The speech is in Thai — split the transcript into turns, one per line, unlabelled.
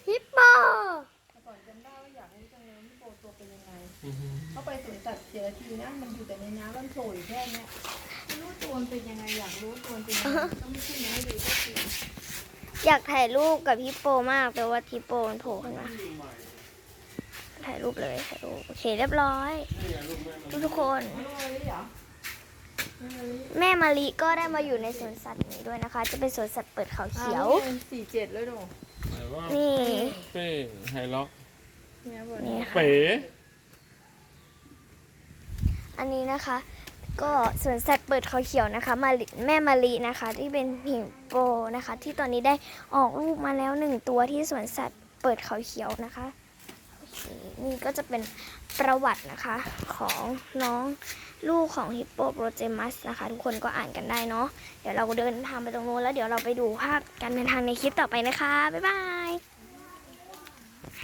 ฮิปโป
แต่ก่อนจำได้ว่าอยากรู้จังเลยฮิปโปตัวเป็นยังไงเข้าไปสวนสัตว์เสียทีนะมันอยู่แต่ในน้ำมันโผล่อยู่แค่เนี้ยไม่รู้ตัวมันเป็นยังไงอยากรู้ตัวมันเป็นยังไงก็ไม่ขึ้นมาให้ดูสักที
อยากถ่ายรูปกับฮิปโปมากแต่ว่าฮิปโปมันโผล่ขึ้นมาถ่ายรูปเลยถ่ายรูปโอเคเรียบร้อยทุกคนแม่มาลิก็ได้มาอยู่ในสวนสัตว์นี้ด้วยนะคะจะเป็นสวนสัตว์เปิดเขาเขียว
47เลยหนู
นี่
เป้ไฮล็อก
นี่ค่ะ
เป๋
อันนี้นะคะ ก็สวนสัตว์เปิดเขาเขียวนะคะแม่มาลินะคะที่เป็นฮิปโปนะคะที่ตอนนี้ได้ออกลูกมาแล้ว1ตัวที่สวนสัตว์เปิดเขาเขียวนะคะนี่ก็จะเป็นประวัตินะคะของน้องลูกของฮิปโปโปรเจมัสนะคะทุกคนก็อ่านกันได้เนาะเดี๋ยวเราเดินทางไปตรงนู้นแล้วเดี๋ยวเราไปดูภาพการเดินทางในคลิปต่อไปนะคะบ๊ายบาย